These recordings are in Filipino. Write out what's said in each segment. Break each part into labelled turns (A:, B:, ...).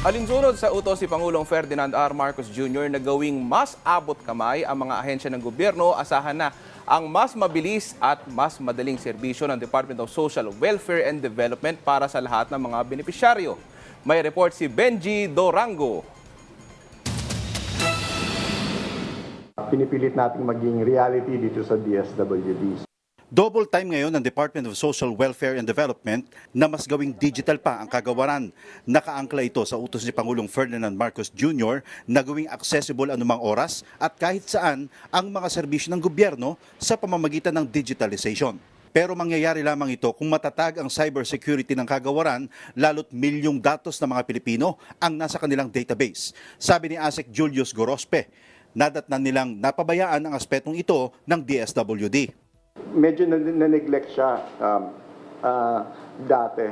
A: Alinsunod sa utos si Pangulong Ferdinand R. Marcos Jr. na gawing mas abot kamay ang mga ahensya ng gobyerno, asahan na ang mas mabilis at mas madaling serbisyo ng Department of Social Welfare and Development para sa lahat ng mga benepisyaryo. May report si Benji Dorango.
B: Pinipilit nating maging reality dito sa DSWD.
C: Double time ngayon ng Department of Social Welfare and Development na mas gawing digital pa ang kagawaran. Nakaangkla ito sa utos ni Pangulong Ferdinand Marcos Jr. na gawing accessible anumang oras at kahit saan ang mga serbisyo ng gobyerno sa pamamagitan ng digitalization. Pero mangyayari lamang ito kung matatag ang cybersecurity ng kagawaran, lalo't milyong datos ng mga Pilipino ang nasa kanilang database. Sabi ni ASEC Julius Gorospe, nadatnan nilang napabayaan ang aspetong ito ng DSWD.
B: Medyo na-neglect siya dati.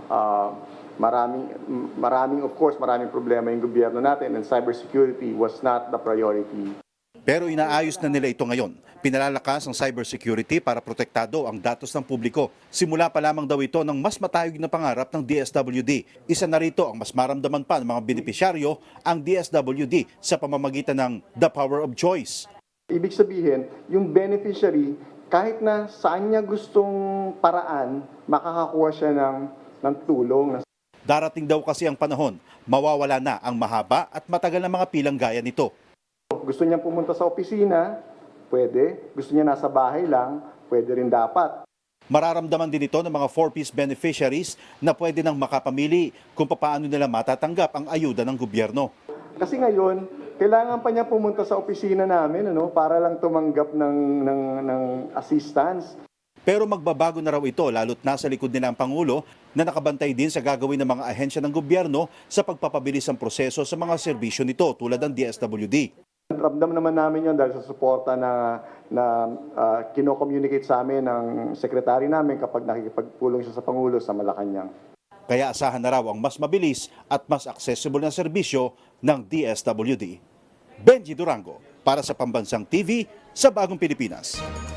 B: Maraming problema yung gobyerno natin and cybersecurity was not the priority.
C: Pero inaayos na nila ito ngayon. Pinalalakas ang cybersecurity para protektado ang datos ng publiko. Simula pa lamang daw ito ng mas matayog na pangarap ng DSWD. Isa na rito ang mas maramdaman pa ng mga benepisyaryo ang DSWD sa pamamagitan ng The Power of Choice.
B: Ibig sabihin, yung beneficiary, kahit na saan niya gustong paraan, makakakuha siya ng tulong.
C: Darating daw kasi ang panahon, mawawala na ang mahaba at matagal na mga pilang gaya nito.
B: Gusto niya pumunta sa opisina, pwede. Gusto niya nasa bahay lang, pwede rin dapat.
C: Mararamdaman din ito ng mga 4-piece beneficiaries na pwede nang makapamili kung paano nila matatanggap ang ayuda ng gobyerno.
B: Kasi ngayon, kailangan pa niya pumunta sa opisina namin para lang tumanggap ng assistance.
C: Pero magbabago na raw ito lalo't nasa likod nila ang Pangulo na nakabantay din sa gagawin ng mga ahensya ng gobyerno sa pagpapabilis ng proseso sa mga serbisyo nito tulad ng DSWD.
B: Ramdam naman namin yun dahil sa suporta na kino-communicate sa amin ng sekretary namin kapag nakikipagpulong siya sa Pangulo sa Malacanang.
C: Kaya asahan na raw ang mas mabilis at mas accessible na serbisyo ng DSWD. Benji Durango para sa Pambansang TV sa Bagong Pilipinas.